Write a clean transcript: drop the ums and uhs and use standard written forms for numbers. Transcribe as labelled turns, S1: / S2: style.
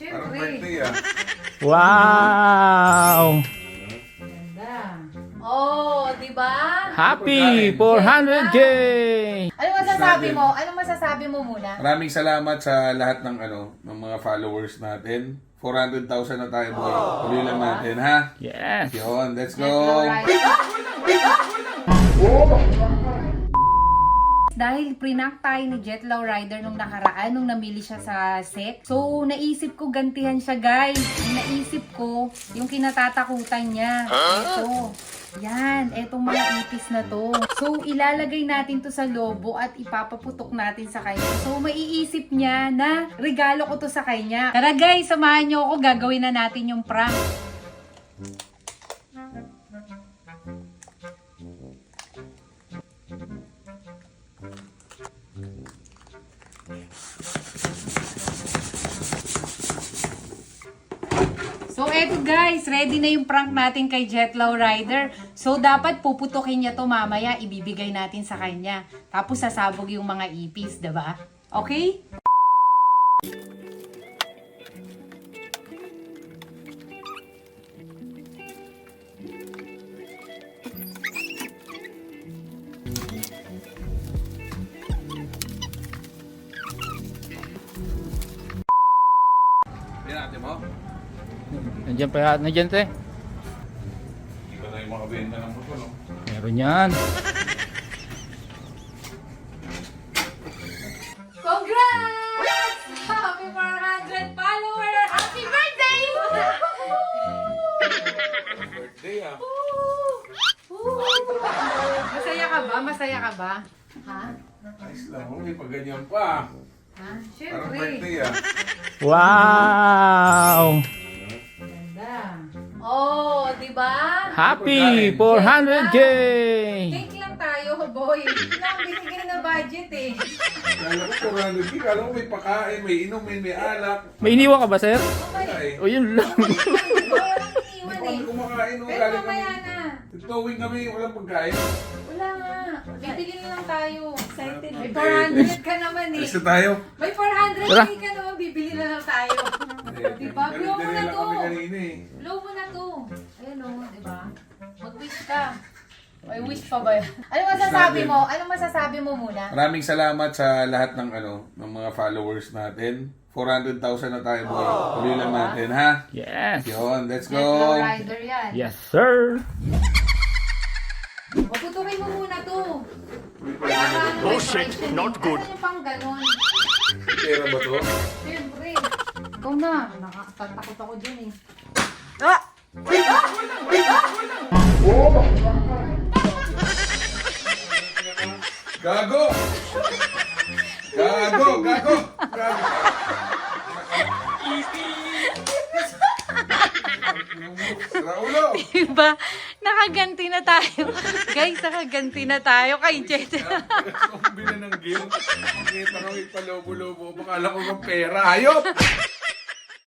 S1: Parang birthday ah.
S2: Wow!
S3: Ganda. Oh, di ba?
S2: Happy 400K!
S3: Ano masasabi mo? Ano masasabi mo muna?
S1: Maraming salamat sa lahat ng ng mga followers natin. 400,000 na tayo, boy. Tuloy lang natin, ha?
S2: Yes!
S1: Yun, let's go!
S3: Dahil prinak tayo ni Jetlaw Rider nung nakaraan, nung namili siya sa SEC. So, naisip ko gantihan siya, guys. Naisip ko yung kinatatakutan niya. Ito. Yan, etong mga ipis na to. So, ilalagay natin to sa lobo at ipapaputok natin sa kanya. So, maiisip niya na regalo ko to sa kanya. Tara guys, samahan niyo ako. Gagawin na natin yung prank. So, eto guys, ready na yung prank natin kay Jetlaw Rider. So, dapat puputukin niya to mamaya, ibibigay natin sa kanya. Tapos, sasabog yung mga ipis, diba? Okay?
S1: Yan natin mo.
S2: Nandiyan pa, nandiyan te.
S1: Hindi pa tayo makabenta ng motor, no?
S2: Meron yan.
S3: Congrats! Happy 400 follower! Happy birthday!
S1: Birthday ah.
S3: Masaya ka ba? Masaya ka ba? Ha?
S1: Ayos lang, may pag ganyan pa.
S3: Ha?
S1: Parang
S3: Siyempre.
S1: birthday ah.
S2: Wow!
S3: Ganda. Oh, di ba?
S2: Happy 400K!
S3: Cake lang tayo, boy. Lang, binigyan na budget eh.
S1: Kala ko 400, kala ko may pakain, may inumin, may alak.
S2: May iniwan ka ba, sir?
S3: Okay.
S2: O yun lang.
S3: Walang
S1: Hindi
S3: iniwan
S1: pa kami
S3: eh.
S1: kumakain, no?
S3: Pero
S1: Galing
S3: mamaya
S1: kami.
S3: na.
S1: Towing kami, walang pagkain.
S3: Wala nga. Bibigyan na lang tayo. Excited. May
S1: Okay.
S3: 400 ka naman eh.
S1: Alis na tayo.
S3: May 400
S2: Tara.
S3: ka naman, bibili na lang tayo. Diba? Blow mo na
S1: Dinala
S3: to.
S1: kami kanina eh.
S3: Blow mo na to. Ayun o, diba? Mag-wish ka. May wish pa ba yan? Ano masasabi mo? Ano masasabi mo muna?
S1: Maraming salamat sa lahat ng ng mga followers natin. 400,000 na tayo, boy. Tuloy lang natin, ha?
S2: Yes!
S1: Yun, let's
S3: Jetlaw
S1: go!
S3: Rider yan.
S2: Yes, sir!
S3: Maputukin mo muna to. Para ano,
S4: Oh shit, not good.
S3: Ano yung pang ganon?
S1: Pera ba to?
S3: Siyempre. Ikaw na. Nakakatakot ako dyan eh.
S1: Gago! Gago! Gago! Gago! Raulo!
S3: Diba? Nakaganti na tayo. Guys, nakaganti na tayo kay Jet.
S1: Zombie na ng game. Nakita ko ipalobo-lobo. Bakala ko ng pera. Hayop!